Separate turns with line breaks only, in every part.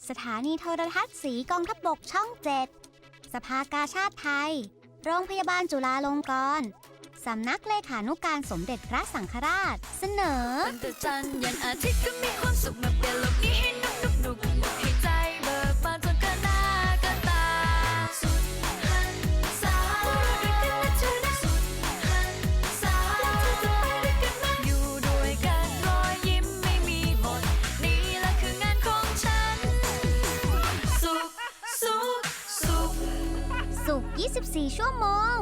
สถานีโทรทัศน์สีกองทัพบกช่อง 7 สภากาชาดไทย โรงพยาบาลจุฬาลงกรณ์สำนักเลขานุการสมเด็จพระสังฆราช เสนอ
ตั้งแต่จันทร์ยันอาทิตย์ก็มีความสุขมาเปลี่ยนโลกนี้ให้นุกให้ใจเบิกบานจนเกินหน้าเกินตาสุดหันษาด้วยกันนะเธอนะสุดหันษาแล้วเธอจะไปด้วยกันไหมอยู่ด้วยกันรอยยิ้มไม่มีหมดนี่แหละคืองานของฉันสุข
สุข 24 ชั่วโมง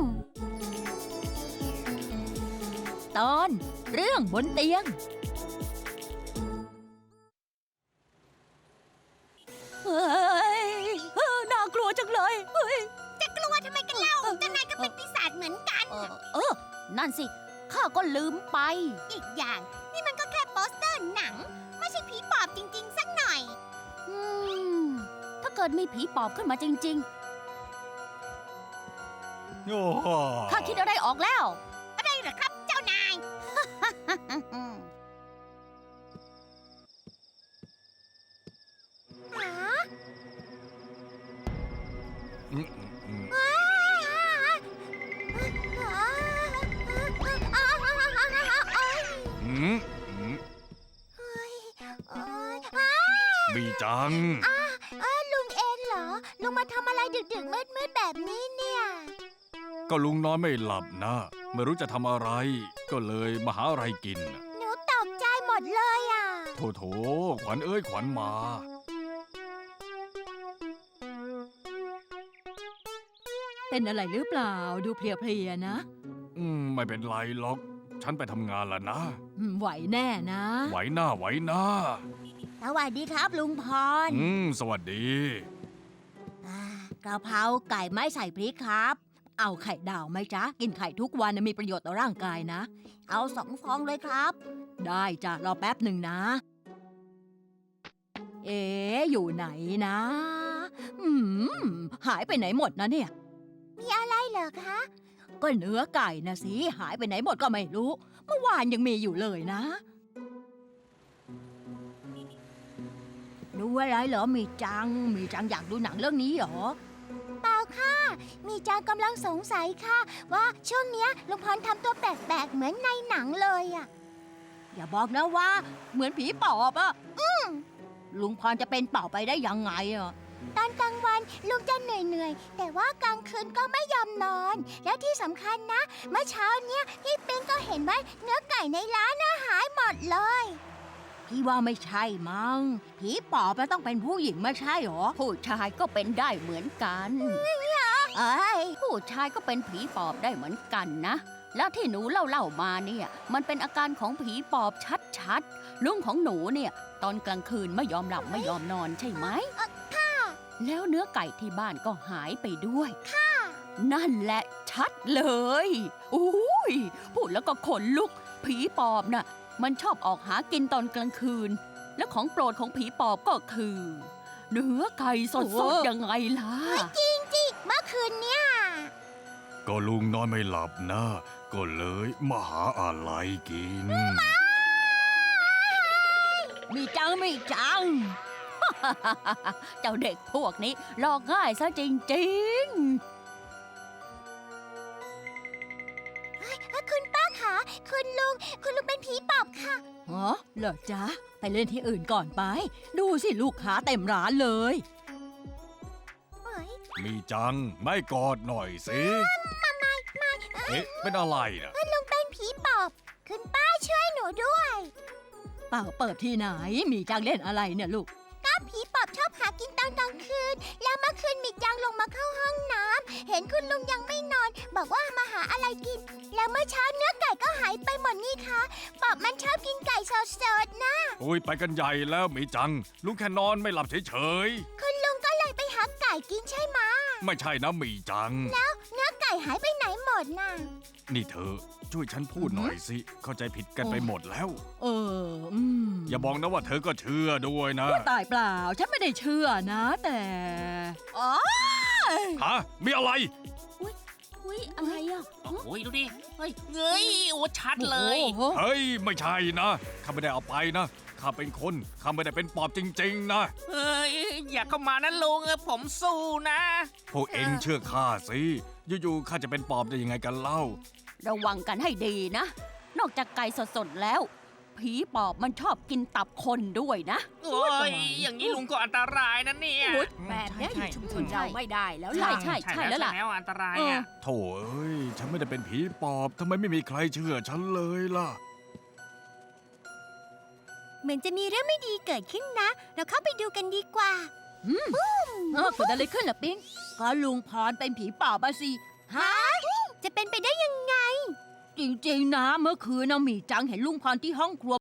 ตอนเรื่องบนเตียงเฮ้ยน่ากลัวจังเลยเฮ้ย
จะกลัวทำไมกันเล่าเจ้านายก็เป็นปีศาจเหมือนกัน
นั่นสิข้าก็ลืมไป
อีกอย่างนี่มันก็แค่โปสเตอร์หนัง ไม่ใช่ผีปอบจริงๆสักหน่อย
ถ้าเกิดมีผีปอบขึ้นมาจริง
โอ้โห
ๆข้าคิดอะไรออกแล้ว
อะไรเหรอครับเจ้านาย
อืมอืม อืมอืมมีจัง
ลุงเองเหรอ ลุงมาทำอะไรดึกๆมืดๆแบบนี้เนี่ย
ก็ลุงนอนไม่หลับนะ ไม่รู้จะทำอะไร ก็เลยมาหาอะไรกินน่ะ
หนูตกใจหมดเลยอ่ะ
โถขวัญเอ้ยขวัญมา
เป็นอะไรหรือเปล่าดูเพลียๆนะ
ไม่เป็นไรหรอก ฉันไปทำงานแล้วนะ
ไหวแน่นะ
ไหวหน้าไหวหน้า
สวัสดีครับลุงพร
สวัสดี
กะเพราไก่ไม่ใส่พริกครับ
เอาไข่ดาวไหมจ๊ะ กินไข่ทุกวันนะมีประโยชน์ต่อร่างกายนะ
เอา2 ฟองเลยครับ
ได้จ้ะรอแป๊บหนึ่งนะ อยู่ไหนนะหายไปไหนหมดนะเนี่ย
มีอะไรเหรอคะ
ก็เนื้อไก่นะสิหายไปไหนหมดก็ไม่รู้ เมื่อวานยังมีอยู่เลยนะ ดูอะไรเหรอมีจังอยากดูหนังเรื่องนี้เหรอ
เปล่าค่ะ มีจางกำลังสงสัยค่ะ ว่าช่วงเนี้ยลุงพรทำตัวแปลกๆเหมือนในหนังเลยอ่ะ
อย่าบอกนะว่า เหมือนผีปอบอะลุงพรจะเป็นปอบไปได้ยังไงอะ
ตอนกลางวันลุงจะเหนื่อยๆ แต่ว่ากลางคืนก็ไม่ยอมนอน แล้วที่สำคัญนะ เมื่อเช้าเนี้ยพี่ปิ๊งก็เห็นว่าเนื้อไก่ในร้านหายหมดเลย
พี่ว่าไม่ใช่มั้งผีปอบมันต้องเป็นผู้หญิงไม่ใช่หรอผู้ชายก็เป็นได้เหมือนกันผู้ชายก็เป็นผีปอบได้เหมือนกันนะ แล้วที่หนูเล่ามาเนี่ยมันเป็นอาการของผีปอบชัดๆลุงของหนูเนี่ยตอนกลางคืนไม่ยอมหลับไม่ยอมนอนใช่ไหมแล้วเนื้อไก่ที่บ้านก็หายไปด้วยนั่นแหละชัดเลยอุ้ยพูดแล้วก็ขนลุกผีปอบน่ะมันชอบออกหากินตอนกลางคืนและของโปรดของผีปอบก็คือ เนื้อไก่สดๆยังไงล่ะ
จริงๆ เมื่อคืนเนี้ย
ก็ลุงนอนไม่หลับนะ ก็เลยมาหาอะไรกิน
มีจัง เจ้าเด็กพวกนี้หลอกง่ายซะจริงๆ
คุณป้าคะคุณลุงเป็นผีปอบค่ะ
เหรอจ๊ะ ไปเล่นที่อื่นก่อนไป ดูสิลูกค้าเต็มร้านเลย
มีจังไม่กอดหน่อยสิเอ๊ะเป็นอะไรนะ
ลุงเป็นผีปอบ คุณป้าช่วยหนูด้วย
เปล่าเปิดที่ไหน มีจังเล่นอะไรเนี่ยลูก
ก็ผีปอบชอบหากินตอนกลางคืน แล้วเมื่อคืนมีจางลงมาเข้าห้องน้ำเห็นคุณลุงยังไม่นอน บอกว่ามาหาอะไรกิน แล้วเมื่อเช้าเนื้อไก่ก็หายไปหมดนี่คะปอบมันชอบกินไก่สดๆนะ
โอ้ยไปกันใหญ่แล้วมีจัง ลุงแค่นอนไม่หลับเฉย
คุณลุงก็เลยไปหาไก่กินใช่ไหม
ๆไม่ใช่นะมีจัง
แล้วเนื้อไก่หายไปไหนหมดน่ะ
นี่เธอช่วยฉันพูดหน่อยสิ เข้าใจผิดกันไปหมดแล้ว อย่าบอกนะว่าเธอก็เชื่อด้วยนะ
ตายเปล่า ฉันไม่ได้เชื่อนะ แต่อ๋อ
ฮะมีอะไร
อุ๊ยอะไรอ่ะ
โอ้ยดูดิ เฮ้ยโอ้ชัดเลย
โอ้โห
เฮ้ยไม่ใช่นะข้าไม่ได้เอาไปนะข้าเป็นคนข้าไม่ได้เป็นปอบจริงๆนะ
เอ้ยอย่าเข้ามานะลุงผมสู้นะ
พวกเองเชื่อข้าสิอยู่ๆข้าจะเป็นปอบได้ยังไงกันเล่า
ระวังกันให้ดีนะ นอกจากไก่สดๆแล้ว ผีปอบมันชอบกินตับคนด้วยนะ
โอ้ยอย่างนี้ลุงก็อันตรายนะเนี่ย
แบบเนี้ยอยู่ชุมชน
ใช่
เราไม่ได้แล้ว
ใช่
ล่ะ
ใช่แล้วล่ะ
ใช่แล้วอันตราย
เออ
อ่ะ
โถ่เอ้ยฉันไม่ได้เป็นผีปอบทำไมไม่มีใครเชื่อฉันเลยล่ะ
เหมือนจะมีเรื่องไม่ดีเกิดขึ้นนะ เราเข้าไปดูกันดีกว่า
เกิดอะไรขึ้นล่ะปิ๊งก็ลุงพรเป็นผีปอบอะสิ
ฮะ จะเป็นไปได้ยังไง
จริงๆนะเมื่อคืนน่ะหมีจังเห็นลุงพรที่ห้องครัว